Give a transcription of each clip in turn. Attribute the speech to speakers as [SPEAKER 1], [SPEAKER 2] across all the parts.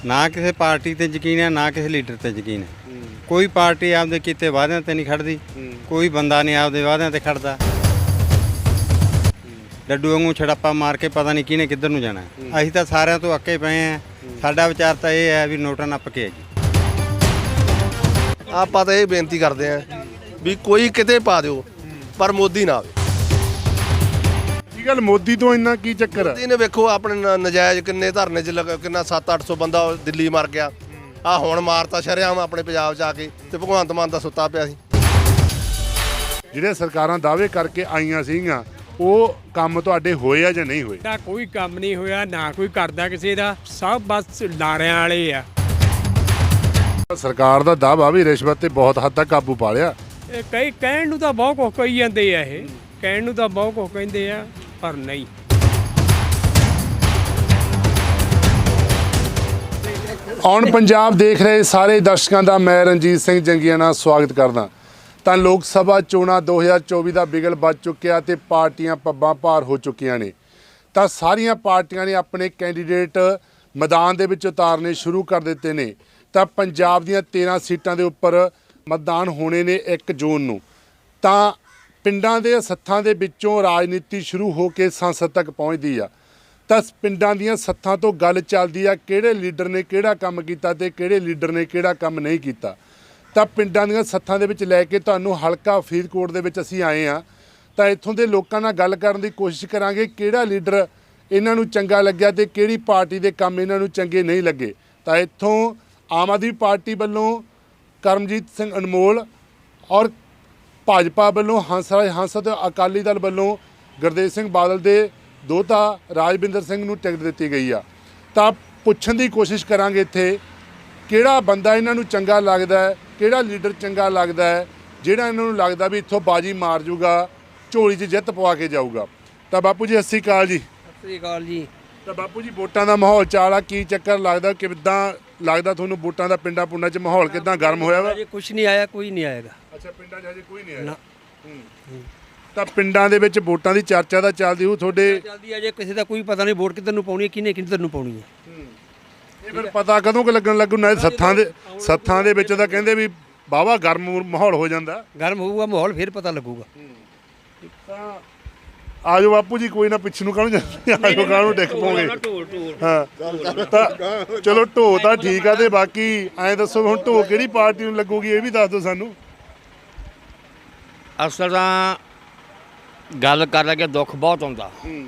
[SPEAKER 1] ਨਾ ਕਿਸੇ ਪਾਰਟੀ ਤੇ ਯਕੀਨ ਹੈ ਨਾ ਕਿਸੇ ਲੀਡਰ ਤੇ ਯਕੀਨ ਹੈ। ਕੋਈ ਪਾਰਟੀ ਆਪਦੇ ਕੀਤੇ ਵਾਅਦਿਆਂ ਤੇ ਨਹੀਂ ਖੜਦੀ, ਕੋਈ ਬੰਦਾ ਨਹੀਂ ਆਪਦੇ ਵਾਅਦਿਆਂ ਤੇ ਖੜਦਾ। ਡੱਡੂ ਵਾਂਗੂ ਛੜੱਪਾ ਮਾਰ ਕੇ ਪਤਾ ਨਹੀਂ ਕਿਹਨੇ ਕਿੱਧਰ ਨੂੰ ਜਾਣਾ। ਅਸੀਂ ਤਾਂ ਸਾਰਿਆਂ ਤੋਂ ਅੱਕੇ ਪਏ ਹਾਂ। ਸਾਡਾ ਵਿਚਾਰ ਤਾਂ ਇਹ ਹੈ ਵੀ ਨੋਟਾਂ ਨੱਪ ਕੇ ਹੈ ਜੀ।
[SPEAKER 2] ਆਪਾਂ ਤਾਂ ਇਹ ਬੇਨਤੀ ਕਰਦੇ ਆਂ ਵੀ ਕੋਈ ਕਿਤੇ ਪਾ ਦਿਓ ਪਰ ਮੋਦੀ ਨਾ ਆਵੇ।
[SPEAKER 3] ਕੀ ਗੱਲ ਮੋਦੀ ਤੋਂ ਇੰਨਾ ਕੀ ਚੱਕਰ ਆ?
[SPEAKER 2] ਮੋਦੀ ਨੇ ਵੇਖੋ ਆਪਣੇ ਨਜਾਇਜ਼ ਕਿੰਨੇ ਧਰਨੇ 'ਚ ਕਿੰਨਾ 700-800 ਬੰਦਾ ਦਿੱਲੀ ਮਰ ਗਿਆ। ਆ ਹੁਣ ਮਾਰਤਾ ਸ਼ਰੇਆਮ ਆਪਣੇ ਪੰਜਾਬ 'ਚ ਆ ਕੇ ਤੇ ਭਗਵੰਤ ਮਾਨ ਦਾ ਸੁੱਤਾ ਪਿਆ ਸੀ।
[SPEAKER 3] ਜਿਹੜੇ ਸਰਕਾਰਾਂ ਦਾਅਵੇ ਕਰਕੇ ਆਈਆਂ ਸੀਗੀਆਂ ਉਹ ਕੰਮ ਤੁਹਾਡੇ ਹੋਏ ਆ ਜਾਂ ਨਹੀਂ ਹੋਏ?
[SPEAKER 4] ਦਾ ਕੋਈ ਕੰਮ ਨਹੀਂ ਹੋਇਆ, ਨਾ ਕੋਈ ਕਰਦਾ ਕਿਸੇ ਦਾ, ਸਭ ਬਸ ਲਾਰਿਆਂ ਵਾਲੇ ਆ।
[SPEAKER 3] ਸਰਕਾਰ ਦਾ ਦਾਅਵਾ ਵੀ ਰਿਸ਼ਵਤ ਤੇ ਬਹੁਤ ਹੱਦ ਤੱਕ ਕਾਬੂ ਪਾ ਲਿਆ।
[SPEAKER 4] ਇਹ ਕਈ ਕਹਿਣ ਨੂੰ ਤਾਂ ਬਹੁਤ ਕੁਝ ਕਹੀ ਜਾਂਦੇ ਆ, ਇਹ ਕਹਿਣ ਨੂੰ ਤਾਂ ਬਹੁਤ ਕੁਝ ਕਹਿੰਦੇ ਆ ਪਰ ਨਹੀਂ।
[SPEAKER 3] ਔਨ ਪੰਜਾਬ ਦੇਖ ਰਹੇ ਸਾਰੇ ਦਰਸ਼ਕਾਂ ਦਾ ਮੈਂ ਰਣਜੀਤ ਸਿੰਘ ਜੰਗੀਆਂ ਨਾਲ ਸਵਾਗਤ ਕਰਦਾ। ਤਾਂ ਲੋਕ ਸਭਾ ਚੋਣਾਂ 2024 ਦਾ ਬਿਗਲ ਵੱਜ ਚੁੱਕਿਆ ਤੇ ਪਾਰਟੀਆਂ ਪੱਬਾਂ ਭਾਰ ਹੋ ਚੁੱਕੀਆਂ ਨੇ। ਤਾਂ ਸਾਰੀਆਂ ਪਾਰਟੀਆਂ ਨੇ ਆਪਣੇ ਕੈਂਡੀਡੇਟ ਮੈਦਾਨ ਦੇ ਵਿੱਚ ਉਤਾਰਨੇ ਸ਼ੁਰੂ ਕਰ ਦਿੱਤੇ ਨੇ। ਤਾਂ ਪੰਜਾਬ ਦੀਆਂ 13 ਸੀਟਾਂ ਦੇ ਉੱਪਰ ਮਤਦਾਨ ਹੋਣੇ ਨੇ 1 ਜੂਨ ਨੂੰ। ਤਾਂ ਪਿੰਡਾਂ ਦੇ ਸੱਥਾਂ ਦੇ ਵਿੱਚੋਂ ਰਾਜਨੀਤੀ ਸ਼ੁਰੂ ਹੋ ਕੇ ਸੰਸਦ ਤੱਕ ਪਹੁੰਚਦੀ ਆ। ਤਾਂ ਪਿੰਡਾਂ ਦੀਆਂ ਸੱਥਾਂ ਤੋਂ ਗੱਲ ਚੱਲਦੀ ਆ ਕਿਹੜੇ ਲੀਡਰ ਨੇ ਕਿਹੜਾ ਕੰਮ ਕੀਤਾ ਤੇ ਕਿਹੜੇ ਲੀਡਰ ਨੇ ਕਿਹੜਾ ਕੰਮ ਨਹੀਂ ਕੀਤਾ। ਤਾਂ ਪਿੰਡਾਂ ਦੀਆਂ ਸੱਥਾਂ ਦੇ ਵਿੱਚ ਲੈ ਕੇ ਤੁਹਾਨੂੰ ਹਲਕਾ ਫਰੀਦਕੋਟ ਦੇ ਵਿੱਚ ਅਸੀਂ ਆਏ ਆ। ਤਾਂ ਇੱਥੋਂ ਦੇ ਲੋਕਾਂ ਨਾਲ ਗੱਲ ਕਰਨ ਦੀ ਕੋਸ਼ਿਸ਼ ਕਰਾਂਗੇ ਕਿਹੜਾ ਲੀਡਰ ਇਹਨਾਂ ਨੂੰ ਚੰਗਾ ਲੱਗਿਆ ਤੇ ਕਿਹੜੀ ਪਾਰਟੀ ਦੇ ਕੰਮ ਇਹਨਾਂ ਨੂੰ ਚੰਗੇ ਨਹੀਂ ਲੱਗੇ। ਤਾਂ ਇੱਥੋਂ ਆਮ ਆਦਮੀ ਪਾਰਟੀ ਵੱਲੋਂ ਕਰਮਜੀਤ ਸਿੰਘ ਅਨਮੋਲ ਔਰ ਭਾਜਪਾ ਵੱਲੋਂ ਹੰਸ ਤੇ ਅਕਾਲੀ ਦਲ ਵੱਲੋਂ ਗੁਰਦੇਵ ਸਿੰਘ ਬਾਦਲ ਦੇ ਦੋਹਤਾ ਰਾਜਵਿੰਦਰ ਸਿੰਘ ਨੂੰ ਟਿਕਟ ਦਿੱਤੀ ਗਈ ਆ। ਤਾਂ ਪੁੱਛਣ ਦੀ ਕੋਸ਼ਿਸ਼ ਕਰਾਂਗੇ ਇੱਥੇ ਕਿਹੜਾ ਬੰਦਾ ਇਹਨਾਂ ਨੂੰ ਚੰਗਾ ਲੱਗਦਾ ਹੈ, ਕਿਹੜਾ ਲੀਡਰ ਚੰਗਾ ਲੱਗਦਾ ਹੈ ਜਿਹੜਾ ਇਹਨਾਂ ਨੂੰ ਲੱਗਦਾ ਵੀ ਇੱਥੋਂ ਬਾਜੀ ਮਾਰ ਜੂਗਾ, ਝੋਲੀ 'ਚ ਜਿੱਤ ਪਵਾ ਕੇ ਜਾਊਗਾ। ਤਾਂ ਬਾਪੂ ਜੀ ਸਤਿ ਸ਼੍ਰੀ ਅਕਾਲ ਜੀ।
[SPEAKER 5] ਸਤਿ ਸ਼੍ਰੀ ਅਕਾਲ ਜੀ।
[SPEAKER 3] ਤਾਂ ਬਾਪੂ ਜੀ ਵੋਟਾਂ ਦਾ ਮਾਹੌਲ ਚਾਲ ਆ, ਕੀ ਚੱਕਰ ਲੱਗਦਾ, ਕਿੱਦਾਂ ਲੱਗਦਾ ਤੁਹਾਨੂੰ ਵੋਟਾਂ ਦਾ ਪਿੰਡਾਂ ਪੁੰਡਾਂ 'ਚ ਮਾਹੌਲ ਕਿੱਦਾਂ ਗਰਮ ਹੋਇਆ ਵਾ?
[SPEAKER 5] ਅਜੇ ਕੁਝ ਨਹੀਂ ਆਇਆ, ਕੋਈ ਨਹੀਂ ਆਏਗਾ।
[SPEAKER 3] ਅੱਛਾ, ਪਿੰਡਾਂ 'ਚ ਹਜੇ ਕੋਈ ਨਹੀਂ ਆਇਆ। ਤਾਂ ਪਿੰਡਾਂ ਦੇ ਵਿੱਚ ਵੋਟਾਂ ਦੀ ਚਰਚਾ ਤਾਂ ਚੱਲਦੀ ਹੋਊ ਤੁਹਾਡੇ?
[SPEAKER 5] ਚੱਲਦੀ ਅਜੇ ਕਿਸੇ ਦਾ ਕੋਈ ਪਤਾ ਨਹੀਂ ਵੋਟ ਕਿੱਧਰ ਨੂੰ ਪਾਉਣੀ ਹੈ, ਕਿਹਨੇ ਕਿੱਧਰ ਨੂੰ ਪਾਉਣੀ ਹੈ।
[SPEAKER 3] ਇਹ ਫਿਰ ਪਤਾ ਕਦੋਂ ਕਿ ਲੱਗਣ ਲੱਗੂ? ਨਾ ਸੱਥਾਂ ਦੇ ਵਿੱਚ ਤਾਂ ਕਹਿੰਦੇ ਵੀ ਵਾਹਵਾ ਗਰਮ ਮਾਹੌਲ ਹੋ ਜਾਂਦਾ।
[SPEAKER 5] ਗਰਮ ਹੋਊਗਾ ਮਾਹੌਲ ਫਿਰ ਪਤਾ ਲੱਗੂਗਾ।
[SPEAKER 3] ਤਾਂ ਆਜੋ ਬਾਪੂ ਜੀ, ਕੋਈ ਨਾ ਪਿੱਛੇ ਨੂੰ ਕਾਹਨੂੰ ਜਾਂਦੇ, ਆਜੋ ਕਾਹਨੂੰ ਡਿੱਗ ਪੋਗੇ। ਹਾਂ ਤਾਂ ਚਲੋ ਢੋ ਤਾਂ ਠੀਕ ਆ। ਤੇ ਬਾਕੀ ਐਂ ਦੱਸੋ ਹੁਣ ਢੋ ਕਿਹੜੀ ਪਾਰਟੀ ਨੂੰ ਲੱਗੂਗੀ ਇਹ ਵੀ ਦੱਸ ਦਿਓ ਸਾਨੂੰ।
[SPEAKER 6] ਅਸਲ ਤਾਂ ਗੱਲ ਕਰ ਲੱਗੇ ਦੁੱਖ ਬਹੁਤ ਆਉਂਦਾ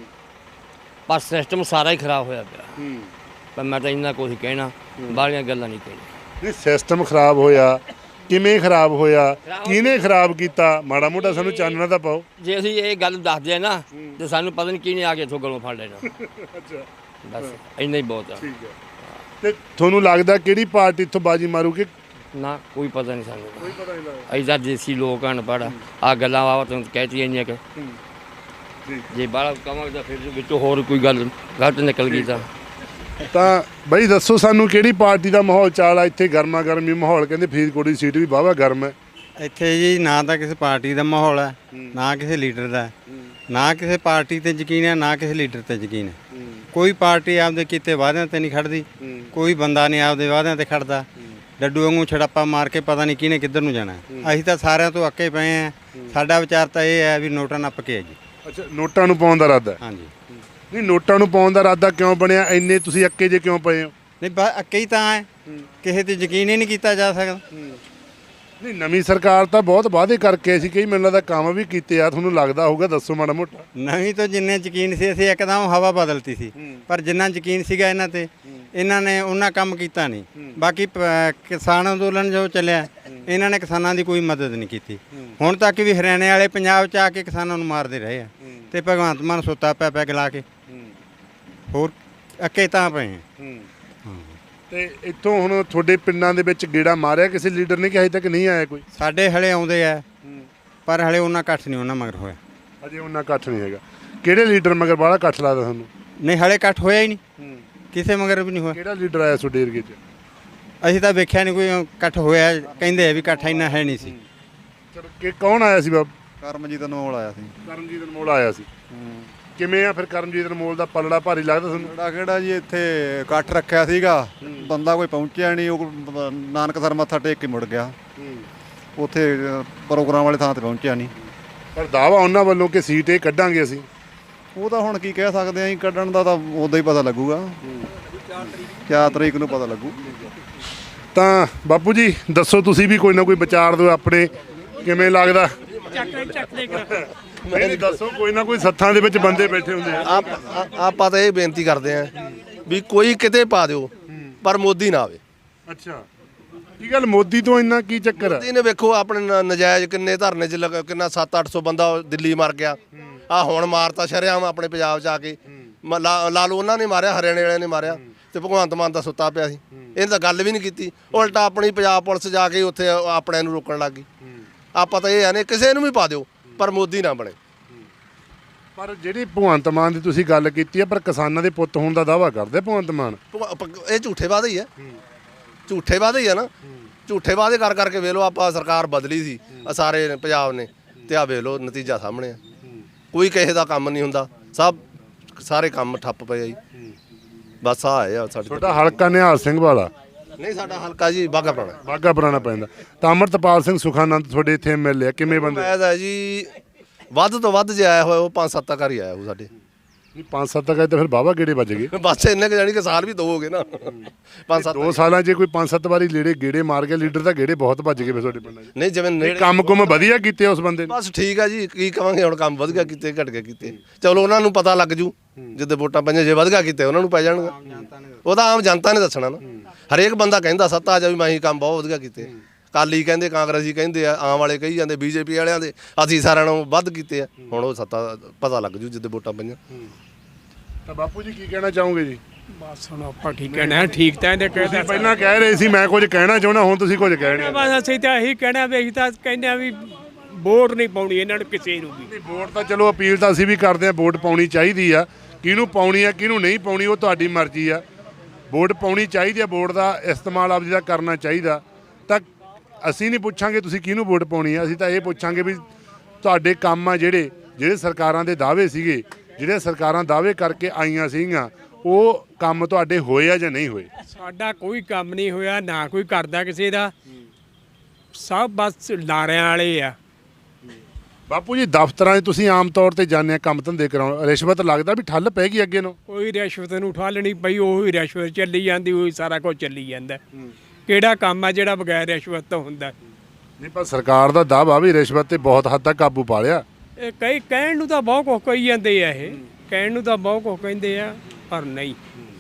[SPEAKER 6] ਪਰ ਸਿਸਟਮ ਸਾਰਾ ਹੀ ਖਰਾਬ ਹੋਇਆ ਪਿਆ। ਪਰ ਮੈਂ ਤਾਂ ਇੰਨਾ ਕੁਝ ਕਹਿਣਾ, ਬਾਹਲੀਆਂ ਗੱਲਾਂ ਨਹੀਂ ਕਹਿਣੀਆਂ।
[SPEAKER 3] ਨਹੀਂ, ਸਿਸਟਮ ਖਰਾਬ ਹੋਇਆ ਕਿਵੇਂ ਖਰਾਬ ਹੋਇਆ, ਕਿਹਨੇ ਖਰਾਬ ਕੀਤਾ, ਮਾੜਾ ਮੋਟਾ ਸਾਨੂੰ ਚਾਨਣਾ ਤਾਂ ਪਾਓ।
[SPEAKER 6] ਜੇ ਅਸੀਂ ਇਹ ਗੱਲ ਦੱਸਦੇ ਆ ਨਾ ਤੇ ਸਾਨੂੰ ਪਤਾ ਨਹੀਂ ਕਿਹਨੇ ਆ ਕੇ ਇੱਥੋਂ ਗਲੋਂ ਫੜ ਲੈਣਾ।
[SPEAKER 3] ਅੱਛਾ,
[SPEAKER 6] ਬਸ ਇੰਨਾ ਹੀ ਬਹੁਤ ਆ।
[SPEAKER 3] ਠੀਕ ਹੈ। ਤੇ ਤੁਹਾਨੂੰ ਲੱਗਦਾ ਕਿਹੜੀ ਪਾਰਟੀ ਇੱਥੋਂ ਬਾਜੀ ਮਾਰੂਗੀ?
[SPEAKER 6] ਨਾ ਕੋਈ ਪਤਾ ਨਹੀਂ ਸਾਨੂੰ।
[SPEAKER 3] ਕੋਈ ਪਤਾ ਨਹੀਂ ਲੱਗਦਾ।
[SPEAKER 6] ਐਦਾਂ ਦੇਸੀ ਲੋਕ ਅਨਪੜ੍ਹ ਆ ਗੱਲਾਂ ਵਾ ਤੁਹਾਨੂੰ ਕਹਿਤੀਆਂ ਇੰਨੀਆਂ ਕਿ ਜੇ ਬਾਹਲਾ ਕਵਾਂਗੇ ਤਾਂ ਫਿਰ ਵਿੱਚੋਂ ਹੋਰ ਕੋਈ ਗੱਲ ਗਲਤ ਨਿਕਲ ਗਈ
[SPEAKER 3] ਤਾਂ ਬਈ ਦੱਸੋ ਸਾਨੂੰ ਕਿਹੜੀ ਪਾਰਟੀ ਦਾ ਮਾਹੌਲ ਚਾਲ ਆ ਇੱਥੇ? ਗਰਮਾ ਗਰਮੀ ਮਾਹੌਲ, ਕਹਿੰਦੇ ਫਰੀਦਕੋਟ ਦੀ ਸੀਟ ਵੀ ਵਾਹਵਾ ਗਰਮ ਹੈ।
[SPEAKER 1] ਇੱਥੇ ਜੀ ਨਾ ਤਾਂ ਕਿਸੇ ਪਾਰਟੀ ਦਾ ਮਾਹੌਲ ਹੈ, ਨਾ ਕਿਸੇ ਲੀਡਰ ਦਾ, ਨਾ ਕਿਸੇ ਪਾਰਟੀ ਤੇ ਯਕੀਨ ਹੈ ਨਾ ਕਿਸੇ ਲੀਡਰ ਤੇ ਯਕੀਨ ਹੈ। ਕੋਈ ਪਾਰਟੀ ਆਪਦੇ ਕੀਤੇ ਵਾਅਦਿਆਂ ਤੇ ਨਹੀਂ ਖੜਦੀ, ਕੋਈ ਬੰਦਾ ਨਹੀਂ ਆਪਦੇ ਵਾਅਦਿਆਂ ਤੇ ਖੜਦਾ। ਡੱਡੂ ਵਾਂਗੂ ਛੜੱਪਾ ਮਾਰ ਕੇ ਪਤਾ ਨਹੀਂ ਕਿਹਨੇ ਕਿੱਧਰ ਨੂੰ ਜਾਣਾ। ਅਸੀਂ ਤਾਂ ਸਾਰਿਆਂ ਤੋਂ ਅੱਕੇ ਪਏ ਹਾਂ। ਸਾਡਾ ਵਿਚਾਰ ਤਾਂ ਇਹ ਹੈ ਵੀ ਨੋਟਾਂ ਨੱਪ ਕੇ ਹੈ ਜੀ।
[SPEAKER 3] ਅੱਛਾ, ਨੋਟਾਂ ਨੂੰ ਪਾਉਣ ਦਾ ਇਰਾਦਾ?
[SPEAKER 1] ਹਾਂਜੀ।
[SPEAKER 3] ਨਹੀਂ, ਨੋਟਾਂ ਨੂੰ ਪਾਉਣ ਦਾ ਇਰਾਦਾ ਕਿਉਂ ਬਣਿਆ? ਇੰਨੇ ਤੁਸੀਂ ਅੱਕੇ ਜੇ ਕਿਉਂ ਪਏ ਹੋ?
[SPEAKER 1] ਨਹੀਂ ਬਸ ਅੱਕੇ ਹੀ ਤਾਂ ਹੈ, ਕਿਸੇ ਤੇ ਯਕੀਨ ਹੀ ਨਹੀਂ ਕੀਤਾ ਜਾ ਸਕਦਾ।
[SPEAKER 3] ਨਹੀਂ, ਨਵੀਂ ਸਰਕਾਰ ਤਾਂ ਬਹੁਤ ਵਾਅਦੇ ਕਰਕੇ ਸੀ, ਕਈ ਮੈਨੂੰ ਲੱਗਦਾ ਕੰਮ ਵੀ ਕੀਤੇ ਆ, ਤੁਹਾਨੂੰ ਲੱਗਦਾ ਹੋਊਗਾ, ਦੱਸੋ ਮਾੜਾ ਮੋਟਾ।
[SPEAKER 1] ਨਵੀਂ ਤੋਂ ਜਿੰਨੇ ਯਕੀਨ ਸੀ ਅਸੀਂ ਇੱਕਦਮ ਹਵਾ ਬਦਲਤੀ ਸੀ, ਪਰ ਜਿੰਨਾ ਯਕੀਨ ਸੀਗਾ ਇਹਨਾਂ ਤੇ ਇਹਨਾਂ ਨੇ ਉਹਨਾਂ ਕੰਮ ਕੀਤਾ ਨਹੀਂ। ਬਾਕੀ ਕਿਸਾਨ ਅੰਦੋਲਨ ਜੋ ਚੱਲਿਆ ਇਹਨਾਂ ਨੇ ਕਿਸਾਨਾਂ ਦੀ ਕੋਈ ਮਦਦ ਨਹੀਂ ਕੀਤੀ। ਹੁਣ ਤੱਕ ਵੀ ਹਰਿਆਣੇ ਵਾਲੇ ਪੰਜਾਬ 'ਚ ਆ ਕੇ ਕਿਸਾਨਾਂ ਨੂੰ ਮਾਰਦੇ ਰਹੇ ਆ ਤੇ ਭਗਵੰਤ ਮਾਨ ਸੁੱਤਾ ਪਿਆ ਪੈਗ ਲਾ ਕੇ। ਹੋਰ ਅੱਕੇ ਤਾਂ ਪਏ ਆ।
[SPEAKER 3] ਤੇ ਇੱਥੋਂ ਹੁਣ ਤੁਹਾਡੇ ਪਿੰਡਾਂ ਦੇ ਵਿੱਚ ਗੇੜਾ ਮਾਰਿਆ ਕਿਸੇ ਲੀਡਰ ਨੇ ਕਿ ਹਜੇ ਤੱਕ ਨਹੀਂ ਆਇਆ ਕੋਈ?
[SPEAKER 1] ਸਾਡੇ ਹਲੇ ਆਉਂਦੇ ਆ ਪਰ ਹਲੇ ਉਹਨਾਂ ਇਕੱਠ ਨਹੀਂ ਉਹਨਾਂ ਮਗਰ ਹੋਇਆ।
[SPEAKER 3] ਅਜੇ ਉਹਨਾਂ ਇਕੱਠ ਨਹੀਂ ਹੈਗਾ। ਕਿਹੜੇ ਲੀਡਰ ਮਗਰ ਬਾਹਲਾ ਇਕੱਠ ਲੱਗਦਾ ਤੁਹਾਨੂੰ?
[SPEAKER 1] ਨਹੀਂ ਹਲੇ ਇਕੱਠ ਹੋਇਆ ਹੀ ਨਹੀਂ, ਕਿਸੇ ਮਗਰ ਵੀ ਨਹੀਂ ਹੋਇਆ।
[SPEAKER 3] ਕਿਹੜਾ ਲੀਡਰ ਆਇਆ ਤੁਹਾਡੇ ਏਰੀਏ 'ਚ?
[SPEAKER 1] ਅਸੀਂ ਤਾਂ ਵੇਖਿਆ ਨਹੀਂ ਕੋਈ ਇਕੱਠ ਹੋਇਆ। ਕਹਿੰਦੇ ਆ ਵੀ ਇਕੱਠ ਇੰਨਾ ਹੈ ਨਹੀਂ ਸੀ।
[SPEAKER 3] ਚਲੋ ਕਿ ਕੌਣ ਆਇਆ ਸੀ ਬਾਬ?
[SPEAKER 7] ਕਰਮਜੀਤ ਅਨਮੋਲ ਆਇਆ ਸੀ।
[SPEAKER 3] ਕਰਮਜੀਤ ਅਨਮੋਲ ਆਇਆ ਸੀ। ਕਿਵੇਂ ਆ ਫਿਰ ਕਰਮਜੀਤ ਅਨਮੋਲ ਦਾ ਪਲੜਾ ਭਾਰੀ ਲੱਗਦਾ ਤੁਹਾਨੂੰ?
[SPEAKER 7] ਕਿਹੜਾ ਕਿਹੜਾ ਜੀ ਇੱਥੇ ਇਕੱਠ ਰੱਖਿਆ ਸੀਗਾ ਬੰਦਾ ਕੋਈ ਪਹੁੰਚਿਆ ਨਹੀਂ, ਉਹ ਨਾਨਕਸਰ ਮੱਥਾ ਟੇਕ ਕੇ ਮੁੜ ਗਿਆ। ਉੱਥੇ ਪ੍ਰੋਗਰਾਮ ਵਾਲੇ ਥਾਂ ਤੇ ਪਹੁੰਚਿਆ ਨਹੀਂ।
[SPEAKER 3] ਪਰ ਦਾਵਾ ਉਹਨਾਂ ਵੱਲੋਂ ਕਿ ਸੀਟ ਇਹ ਕੱਢਾਂਗੇ ਅਸੀਂ।
[SPEAKER 7] ਉਹ ਤਾਂ ਹੁਣ ਕੀ ਕਹਿ ਸਕਦੇ ਆਂ ਜੀ, ਕੱਢਣ ਦਾ ਤਾਂ ਉਦੋਂ ਹੀ ਪਤਾ ਲੱਗੂਗਾ, 4 ਤਰੀਕ ਨੂੰ ਪਤਾ ਲੱਗੂ।
[SPEAKER 3] ਤਾਂ ਬਾਪੂ ਜੀ ਦੱਸੋ, ਤੁਸੀਂ ਵੀ ਕੋਈ ਨਾ ਕੋਈ ਵਿਚਾਰ ਦਿਓ ਆਪਣੇ, ਕਿਵੇਂ ਲੱਗਦਾ? ਨਹੀਂ ਦੱਸੋ, ਕੋਈ ਨਾ ਕੋਈ ਸੱਥਾਂ ਦੇ ਵਿੱਚ ਬੰਦੇ ਬੈਠੇ ਹੁੰਦੇ ਆ।
[SPEAKER 2] ਆਪਾਂ ਤਾਂ ਇਹ ਬੇਨਤੀ ਕਰਦੇ ਆਂ ਵੀ ਕੋਈ ਕਿਤੇ ਪਾ ਦਿਓ ਪਰ ਮੋਦੀ ਨਾ ਆਵੇ।
[SPEAKER 3] ਅੱਛਾ, ਕੀ ਗੱਲ ਮੋਦੀ ਤੋਂ ਇੰਨਾ ਕੀ ਚੱਕਰ ਆ?
[SPEAKER 2] ਮੋਦੀ ਨੇ ਵੇਖੋ ਆਪਣੇ ਨਜਾਇਜ਼ ਕਿੰਨੇ ਧਰਨੇ 'ਚ ਕਿੰਨਾ 700-800 ਬੰਦਾ ਦਿੱਲੀ ਮਰ ਗਿਆ। ਆ ਹੁਣ ਮਾਰਤਾ ਸ਼ਰੇਆਮ ਆਪਣੇ ਪੰਜਾਬ 'ਚ ਆ ਕੇ। ਲਾ ਲਓ ਉਹਨਾਂ ਨੇ ਮਾਰਿਆ, ਹਰਿਆਣੇ ਵਾਲਿਆਂ ਨੇ ਮਾਰਿਆ, ਤੇ ਭਗਵੰਤ ਮਾਨ ਤਾਂ ਸੁੱਤਾ ਪਿਆ ਸੀ। ਇਹਨੇ ਤਾਂ ਗੱਲ ਵੀ ਨਹੀਂ ਕੀਤੀ, ਉਲਟਾ ਆਪਣੀ ਪੰਜਾਬ ਪੁਲਿਸ ਜਾ ਕੇ ਉੱਥੇ ਆਪਣਿਆਂ ਨੂੰ ਰੋਕਣ ਲੱਗ ਗਈ। ਆਪਾਂ ਤਾਂ ਇਹ ਆ ਨੇ ਕਿਸੇ ਨੂੰ ਵੀ ਪਾ ਦਿਓ ਪਰ ਮੋਦੀ ਨਾ ਬਣੇ।
[SPEAKER 3] ਪਰ ਜਿਹੜੀ ਭਗਵੰਤ ਮਾਨ ਦੀ ਤੁਸੀਂ ਗੱਲ ਕੀਤੀ ਹੈ, ਪਰ ਕਿਸਾਨਾਂ ਦੇ ਪੁੱਤ ਹੋਣ ਦਾ ਦਾਵਾ ਕਰਦੇ ਭਗਵੰਤ ਮਾਨ।
[SPEAKER 2] ਇਹ ਝੂਠੇ ਵਾਅਦੇ ਹੀ ਆ, ਝੂਠੇ ਵਾਅਦੇ ਹੀ ਆ ਨਾ। ਝੂਠੇ ਵਾਅਦੇ ਕਰ ਕਰਕੇ ਵੇਖ ਲਓ, ਆਪਾਂ ਸਰਕਾਰ ਬਦਲੀ ਸੀ ਸਾਰੇ ਪੰਜਾਬ ਨੇ, ਤੇ ਆ ਵੇਖ ਲਓ ਨਤੀਜਾ ਸਾਹਮਣੇ ਆ। ਕੋਈ ਕਿਸੇ ਦਾ ਕੰਮ ਨਹੀਂ ਹੁੰਦਾ, ਸਾਰੇ ਕੰਮ ਠੱਪ ਪਏ ਆ ਜੀ। ਬਸ ਆ ਸਾਡੇ
[SPEAKER 3] ਤੁਹਾਡਾ ਹਲਕਾ ਨਿਹਾਲ ਸਿੰਘ ਵਾਲਾ?
[SPEAKER 2] ਨਹੀਂ, ਸਾਡਾ ਹਲਕਾ ਜੀ ਬਾਘਾ ਪੁਰਾਣਾ।
[SPEAKER 3] ਬਾਘਾ ਪੁਰਾਣਾ ਪੈਂਦਾ। ਤਾਂ ਅੰਮ੍ਰਿਤਪਾਲ ਸਿੰਘ ਸੁਖਾਨੰਦ ਤੁਹਾਡੇ ਇੱਥੇ ਐਮਐਲਏ ਆ, ਕਿਵੇਂ ਬੰਦੇ?
[SPEAKER 2] ਹੈ ਜੀ ਵੱਧ ਤੋਂ ਵੱਧ ਜੇ ਆਇਆ ਹੋਇਆ ਉਹ 5-7 ਘਰ ਹੀ ਆਇਆ ਉਹ ਸਾਡੇ।
[SPEAKER 3] ਨਹੀਂ 5-7 ਤੱਕ ਤਾਂ ਫਿਰ ਬਾਵਾ ਗੇੜੇ ਵੱਜ ਗਏ।
[SPEAKER 2] ਬਸ ਇੰਨੇ ਕੁ ਜਾਣੀ ਕਿ ਸਾਲ ਵੀ 2 ਹੋ ਗਏ ਨਾ। 5-7
[SPEAKER 3] 2 ਸਾਲਾਂ 'ਚ ਕੋਈ 5-7 ਵਾਰੀ ਗੇੜੇ ਮਾਰ ਗਿਆ ਲੀਡਰ, ਤਾਂ ਗੇੜੇ ਬਹੁਤ ਵੱਜ ਗਏ ਫਿਰ ਤੁਹਾਡੇ ਪਿੰਡਾਂ 'ਚ।
[SPEAKER 2] ਨਹੀਂ ਜਿਵੇਂ ਨੇੜੇ
[SPEAKER 3] ਕੰਮ ਵਧੀਆ ਕੀਤੇ ਉਸ ਬੰਦੇ ਨੇ।
[SPEAKER 2] ਬਸ ਠੀਕ ਆ ਜੀ, ਕੀ ਕਵਾਂਗੇ ਹੁਣ, ਕੰਮ ਵਧੀਆ ਕੀਤੇ ਘਟ ਕੇ ਕੀਤੇ। ਚਲੋ ਉਹਨਾਂ ਨੂੰ ਪਤਾ ਲੱਗ ਜੂ ਜਿੱਦੇ ਵੋਟਾਂ ਪਈਆਂ, ਜੇ ਵਧੀਆ ਕੀਤੇ ਉਹਨਾਂ ਨੂੰ ਪੈ ਜਾਣਗਾ। ਉਹ ਤਾਂ ਆਮ ਜਨਤਾ ਨੇ ਦੱਸਣਾ ਨਾ। ਹਰੇਕ ਬੰਦਾ ਕਹਿੰਦਾ ਸੱਤਾ ਆ ਜਾ ਵੀ ਮੈਂ ਹੀ ਕੰਮ ਬਹੁਤ ਵਧੀਆ ਕੀਤੇ। ਕਾਲੀ ਕਹਿੰਦੇ, ਕਾਂਗਰਸੀ ਕਹਿੰਦੇ ਆ, ਆਮ ਵਾਲੇ ਕਹੀ ਜਾਂਦੇ, ਬੀਜੇਪੀ ਵਾਲਿਆਂ ਦੇ ਅਸੀਂ ਸਾਰਿਆਂ ਨਾਲੋਂ ਵੱਧ ਕੀਤੇ ਆ। ਹੁਣ ਉਹ ਸੱਤਾ ਪਤਾ ਲੱਗ ਜੂ ਜਿੱਦੇ ਵੋਟਾਂ ਪਈਆਂ।
[SPEAKER 3] ਤਾਂ ਬਾਪੂ ਜੀ ਕੀ ਕਹਿਣਾ ਚਾਹੋਗੇ ਜੀ?
[SPEAKER 4] ਬਸ ਹੁਣ ਆਪਾਂ ਠੀਕ ਕਹਿਣਾ, ਠੀਕ ਤਾਂ ਇਹਦੇ
[SPEAKER 3] ਤੁਸੀਂ
[SPEAKER 4] ਕਹਿੰਦੇ
[SPEAKER 3] ਪਹਿਲਾਂ ਕਹਿ ਰਹੇ ਸੀ ਮੈਂ ਕੁਝ ਕਹਿਣਾ ਚਾਹੁੰਦਾ, ਹੁਣ ਤੁਸੀਂ ਕੁਝ ਕਹਿਣਾ।
[SPEAKER 4] ਬਸ ਅਸੀਂ ਤਾਂ ਇਹੀ ਕਹਿਣਾ ਵੀ ਅਸੀਂ ਤਾਂ ਕਹਿੰਦੇ ਆ ਵੀ ਵੋਟ ਨਹੀਂ ਪਾਉਣੀ ਇਹਨਾਂ ਨੂੰ ਕਿਸੇ ਨੂੰ ਵੀ।
[SPEAKER 3] ਨਹੀਂ ਵੋਟ ਤਾਂ ਚਲੋ ਅਪੀਲ ਤਾਂ ਅਸੀਂ ਵੀ ਕਰਦੇ ਹਾਂ, ਵੋਟ ਪਾਉਣੀ ਚਾਹੀਦੀ ਆ। ਕਿਹਨੂੰ ਪਾਉਣੀ ਆ ਕਿਹਨੂੰ ਨਹੀਂ ਪਾਉਣੀ ਉਹ ਤੁਹਾਡੀ ਮਰਜ਼ੀ ਆ। ਵੋਟ ਪਾਉਣੀ ਚਾਹੀਦੀ ਆ, ਵੋਟ ਦਾ ਇਸਤੇਮਾਲ ਆਪਦੀ ਦਾ ਕਰਨਾ ਚਾਹੀਦਾ। ਤਾਂ ਅਸੀਂ ਨਹੀਂ ਪੁੱਛਾਂਗੇ ਤੁਸੀਂ ਕਿਹਨੂੰ ਵੋਟ ਪਾਉਣੀ ਆ, ਅਸੀਂ ਤਾਂ ਇਹ ਪੁੱਛਾਂਗੇ ਵੀ ਤੁਹਾਡੇ ਕੰਮ ਆ ਜਿਹੜੇ ਸਰਕਾਰਾਂ ਦੇ ਦਾਅਵੇ ਸੀਗੇ, ਜਿਹੜੇ ਸਰਕਾਰਾਂ ਦਾਅਵੇ ਕਰਕੇ ਆਈਆਂ ਸੀਗੀਆਂ, ਉਹ ਕੰਮ ਤੁਹਾਡੇ ਹੋਏ ਆ ਜਾਂ ਨਹੀਂ ਹੋਏ?
[SPEAKER 4] ਸਾਡਾ ਕੋਈ ਕੰਮ ਨਹੀਂ ਹੋਇਆ, ਨਾ ਕੋਈ ਕਰਦਾ ਕਿਸੇ ਦਾ, ਸਭ ਬਸ ਲਾਰਿਆਂ ਵਾਲੇ ਆ।
[SPEAKER 3] ਬਾਪੂ ਜੀ ਦਫ਼ਤਰਾਂ 'ਚ ਤੁਸੀਂ ਆਮ ਤੌਰ ਤੇ ਜਾਂਦੇ ਆ ਕੰਮ ਧੰਦੇ ਕਰਾਉਣ, ਰਿਸ਼ਵਤ ਲੱਗਦਾ ਵੀ ਠੱਲ ਪੈ ਗਈ ਅੱਗੇ ਨੂੰ?
[SPEAKER 4] ਕੋਈ ਰਿਸ਼ਵਤ ਨੂੰ ਠੱਲ ਨਹੀਂ ਪਈ, ਉਹੀ ਰਿਸ਼ਵਤ ਚੱਲੀ ਜਾਂਦੀ, ਉਹੀ ਸਾਰਾ ਕੁਝ ਚੱਲੀ ਜਾਂਦਾ। ਕਿਹੜਾ ਕੰਮ ਆ ਜਿਹੜਾ ਬਗੈਰ ਰਿਸ਼ਵਤ ਤੋਂ ਹੁੰਦਾ?
[SPEAKER 3] ਨਹੀਂ ਪਰ ਸਰਕਾਰ ਦਾ ਦਾਅਵਾ ਵੀ ਰਿਸ਼ਵਤ ਤੇ ਬਹੁਤ ਹੱਦ ਤੱਕ ਕਾਬੂ ਪਾ ਲਿਆ।
[SPEAKER 4] ਇਹ ਕਹਿਣ ਨੂੰ ਤਾਂ ਬਹੁਤ ਕੁਝ ਕਹੀ ਜਾਂਦੇ ਆ, ਇਹ ਕਹਿਣ ਨੂੰ ਤਾਂ ਬਹੁਤ ਕੁਝ ਕਹਿੰਦੇ ਆ ਪਰ ਨਹੀਂ।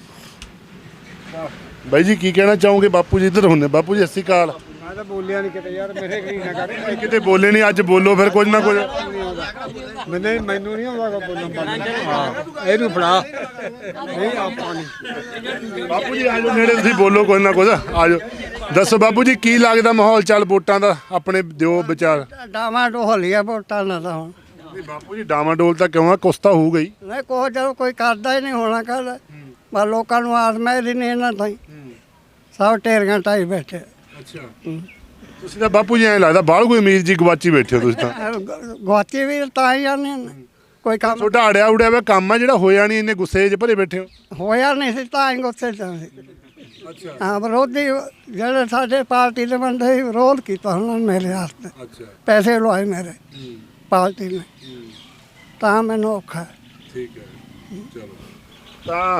[SPEAKER 3] ਬਾਈ ਜੀ ਕੀ ਕਹਿਣਾ ਚਾਹੋਗੇ? ਬਾਪੂ ਜੀ ਇੱਧਰ ਹੁੰਦੇ। ਬਾਪੂ ਜੀ ਸਤਿ ਸ਼੍ਰੀ ਅਕਾਲ।
[SPEAKER 8] ਮੈਂ ਤਾਂ ਬੋਲਿਆ ਨਹੀਂ ਕਿਤੇ ਯਾਰ, ਮੇਰੇ ਕਰੀ ਨਾ ਕਰ।
[SPEAKER 3] ਕਿਤੇ ਬੋਲੇ ਨਹੀਂ, ਅੱਜ ਬੋਲੋ ਫਿਰ ਕੁਝ ਨਾ ਕੁਝ।
[SPEAKER 8] ਮੈਨੂੰ ਨਹੀਂ ਆਉਂਦਾ ਬੋਲਣ। ਹਾਂ ਇਹਨੂੰ ਫੜਾ, ਨਹੀਂ ਆਪਾਂ ਨਹੀਂ।
[SPEAKER 3] ਬਾਪੂ ਜੀ ਆਜੋ ਨੇੜੇ, ਤੁਸੀਂ ਬੋਲੋ ਕੁਝ ਨਾ ਕੁਝ, ਆਜੋ। ਦੱਸੋ ਬਾਪੂ ਜੀ ਕੀ ਲੱਗਦਾ ਮਾਹੌਲ ਚੱਲ ਵੋਟਾਂ ਦਾ, ਆਪਣੇ ਦਿਓ ਵਿਚਾਰ।
[SPEAKER 8] ਡਾਵਾਂ ਢੋਲੀਆ ਵੋਟਾਂ ਨਾਲ ਤਾਂ ਹੁਣ।
[SPEAKER 3] ਨਹੀਂ ਬਾਪੂ ਜੀ ਡਾਵਾਂ ਡੋਲ ਤਾਂ ਕਿਉਂ ਆ, ਕੁਛ ਤਾਂ ਹੋਊਗਾ ਹੀ।
[SPEAKER 8] ਨਹੀਂ ਕੋਈ ਜਦੋਂ ਕੋਈ ਕਰਦਾ ਹੀ ਨਹੀਂ ਹੋਣਾ ਕਰ, ਪਰ ਲੋਕਾਂ ਨੂੰ ਆਸਮੈ ਦੀ ਨਹੀਂ ਇਹਨਾਂ ਤਾਈ, ਸਭ ਢੇਰੀਆਂ ਢਾਈ ਬੈਠੇ।
[SPEAKER 3] ਅੱਛਾ ਤੁਸੀਂ ਤਾਂ ਬਾਪੂ ਜੀ ਐਂ ਲੱਗਦਾ ਬਾਹਰ ਕੋਈ ਉਮੀਦ ਜੀ ਗਵਾਚੀ ਬੈਠੇ ਹੋ ਤੁਸੀਂ ਤਾਂ।
[SPEAKER 8] ਗੁਆਚੀ ਵੀ ਤਾਂ ਹੀ ਜਾਂਦੇ ਨੇ, ਕੋਈ ਕੰਮ
[SPEAKER 3] ਤੁਹਾਡਾ ਅੜਿਆ ਉੜਿਆ ਵਾ ਕੰਮ ਆ ਜਿਹੜਾ ਹੋਇਆ ਨਹੀਂ, ਇੰਨੇ ਗੁੱਸੇ 'ਚ ਭਰੇ ਬੈਠੇ ਹੋ।
[SPEAKER 8] ਹੋਇਆ ਨਹੀਂ ਸੀ ਤਾਂ ਹੀ ਗੁੱਸੇ 'ਚ ਸੀ। ਹਾਂ ਵਿਰੋਧੀ ਜਿਹੜੇ ਸਾਡੇ ਪਾਰਟੀ ਦੇ ਬੰਦੇ ਸੀ, ਵਿਰੋਧ ਕੀਤਾ ਉਹਨਾਂ ਨੇ ਮੇਰੇ ਵਾਸਤੇ।
[SPEAKER 3] ਅੱਛਾ
[SPEAKER 8] ਪੈਸੇ ਲਵਾਏ ਮੇਰੇ ਪਾਰਟੀ ਨੇ, ਤਾਂ ਮੈਨੂੰ ਔਖਾ।
[SPEAKER 3] ਠੀਕ ਹੈ ਚਲੋ। ਤਾਂ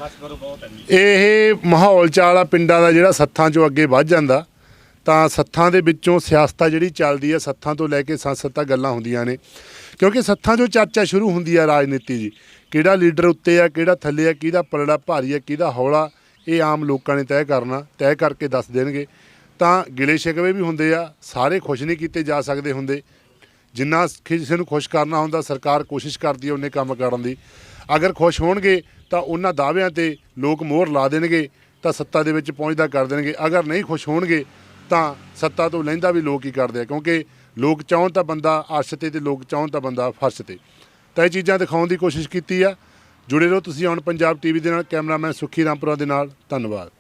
[SPEAKER 3] ਇਹ ਮਾਹੌਲ ਚਾਲ ਆ ਪਿੰਡਾਂ ਦਾ ਜਿਹੜਾ ਸੱਥਾਂ 'ਚੋਂ ਅੱਗੇ ਵੱਧ ਜਾਂਦਾ। ਤਾਂ ਸੱਥਾਂ ਦੇ ਵਿੱਚੋਂ ਸਿਆਸਤ ਜਿਹੜੀ ਚੱਲਦੀ ਹੈ, ਸੱਥਾਂ ਤੋਂ ਲੈ ਕੇ ਸੰਸਦ ਤੱਕ ਗੱਲਾਂ ਹੁੰਦੀਆਂ ਨੇ, ਕਿਉਂਕਿ ਸੱਥਾਂ 'ਚੋਂ ਚਰਚਾ ਸ਼ੁਰੂ ਹੁੰਦੀ ਆ ਰਾਜਨੀਤੀ ਦੀ। ਕਿਹੜਾ ਲੀਡਰ ਉੱਤੇ ਆ, ਕਿਹੜਾ ਥੱਲੇ ਆ, ਕਿਹਦਾ ਪਲੜਾ ਭਾਰੀ ਆ, ਕਿਹਦਾ ਹੌਲਾ, ਇਹ ਆਮ ਲੋਕਾਂ ਨੇ ਤੈਅ ਕਰਨਾ, ਤੈਅ ਕਰਕੇ ਦੱਸ ਦੇਣਗੇ। ਤਾਂ ਗਿਲੇ ਸ਼ਿਕਵੇ ਵੀ ਹੁੰਦੇ ਆ, ਸਾਰੇ ਖੁਸ਼ ਨਹੀਂ ਕੀਤੇ ਜਾ ਸਕਦੇ ਹੁੰਦੇ। ਜਿੰਨਾ ਕਿਸੇ ਨੂੰ ਖੁਸ਼ ਕਰਨਾ ਹੁੰਦਾ ਸਰਕਾਰ ਕੋਸ਼ਿਸ਼ ਕਰਦੀ ਹੈ ਉਹਨੇ ਕੰਮ ਕਰਨ ਦੀ। ਅਗਰ ਖੁਸ਼ ਹੋਣਗੇ ਤਾਂ ਉਹਨਾਂ ਦਾਅਵਿਆਂ ਤੇ ਲੋਕ ਮੋਹਰ ਲਾ ਦੇਣਗੇ, ਤਾਂ ਸੱਤਾ ਦੇ ਵਿੱਚ ਪਹੁੰਚਦਾ ਕਰ ਦੇਣਗੇ। ਅਗਰ ਨਹੀਂ ਖੁਸ਼ ਹੋਣਗੇ ਤਾਂ ਸੱਤਾ ਤੋਂ ਲੈਂਦਾ ਵੀ ਲੋਕ ਹੀ ਕਰਦੇ ਆ, ਕਿਉਂਕਿ ਲੋਕ ਚਾਹੁਣ ਤਾਂ ਬੰਦਾ ਅਰਸ਼ ਤੇ ਲੋਕ ਚਾਹੁਣ ਤਾਂ ਬੰਦਾ ਫਰਸ਼ ਤੇ। ਤਾਂ ਇਹ ਚੀਜ਼ਾਂ ਦਿਖਾਉਣ ਦੀ ਕੋਸ਼ਿਸ਼ ਕੀਤੀ ਆ। ਜੁੜੇ ਰਹੋ ਤੁਸੀਂ ਹੁਣ ਪੰਜਾਬ ਟੀਵੀ ਦੇ ਨਾਲ। ਕੈਮਰਾਮੈਨ ਸੁੱਖੀ ਰਾਮਪੁਰਾ ਦੇ ਨਾਲ, ਧੰਨਵਾਦ।